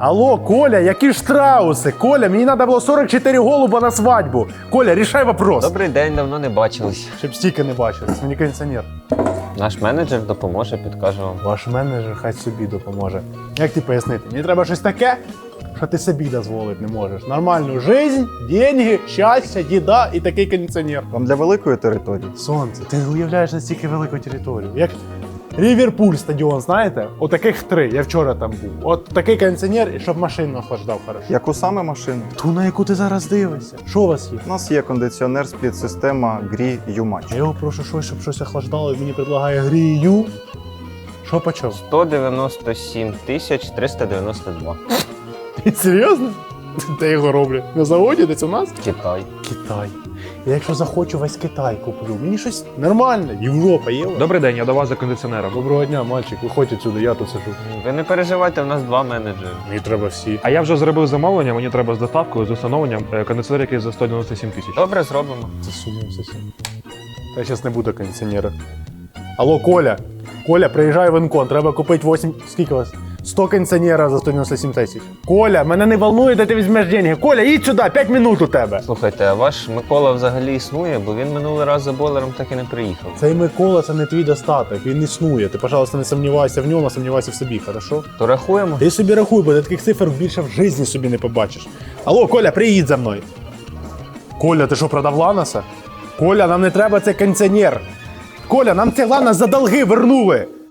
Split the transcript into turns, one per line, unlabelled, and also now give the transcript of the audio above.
Алло, Коля, які штрауси? Коля, мені треба було 44 голуба на свадьбу. Коля, рішай вопрос.
Добрий день, давно не бачились.
Щоб стільки не бачили, це мені кондиціонер.
Наш менеджер допоможе, підкаже вам.
Ваш менеджер хай собі допоможе. Як ти пояснити? Мені треба щось таке, що ти собі дозволити не можеш. Нормальну жизнь, деньги, щастя, їда і такий кондиціонер.
Вам для великої території?
Сонце, ти не уявляєш настільки велику територію. Як Ріверпуль стадіон, знаєте? Отаких 3. Я вчора там був. От такий кондиціонер, і щоб машину охлаждав хорошо.
Яку саме машину?
Ту, на яку ти зараз дивишся. Що у вас є?
У нас є кондиціонер спліт-система Gree U-Match.
Я його прошу щось, щоб щось охлаждало, і мені предлагає грію. Що почав?
197 392.
Серйозно? Де його роблять? На заводі десь у нас?
Китай.
Китай. Я якщо захочу, весь Китай куплю. Мені щось нормальне. Європа є. у вас?
Добрий день, я до вас за кондиціонером.
Доброго дня, мальчик. Виходь отсюди, я тут сижу.
Ви не переживайте, у нас 2 менеджери.
Мені треба всі.
А я вже зробив замовлення, мені треба з доставкою, з установленням кондиціонер, який за 197 тисяч.
Добре, зробимо.
Це сумнівся сім. Та я зараз не буду кондиціонера. Алло, Коля. Коля, приїжджай в Інкон. Треба купити 8... Скільки у вас? 100 кондиціонера за 197 тисяч. Коля, мене не волнує, де ти візьмеш деньги. Коля, їдь сюди, 5 минут у тебе.
Слухайте, а ваш Микола взагалі існує, бо він минулий раз за бойлером так і не приїхав.
Цей Микола, це не твій достаток, він існує. Ти, пожалуйста, не сумнівайся в ньому, а сумнівайся в собі, хорошо?
То рахуємо?
Ти собі рахуй, бо ти таких цифр більше в житті собі не побачиш. Алло, Коля, приїдь за мною. Коля, ти що, продав Ланоса? Коля, нам не треба цей кондиціонер. Коля, нам цей Ланос за долги вернули.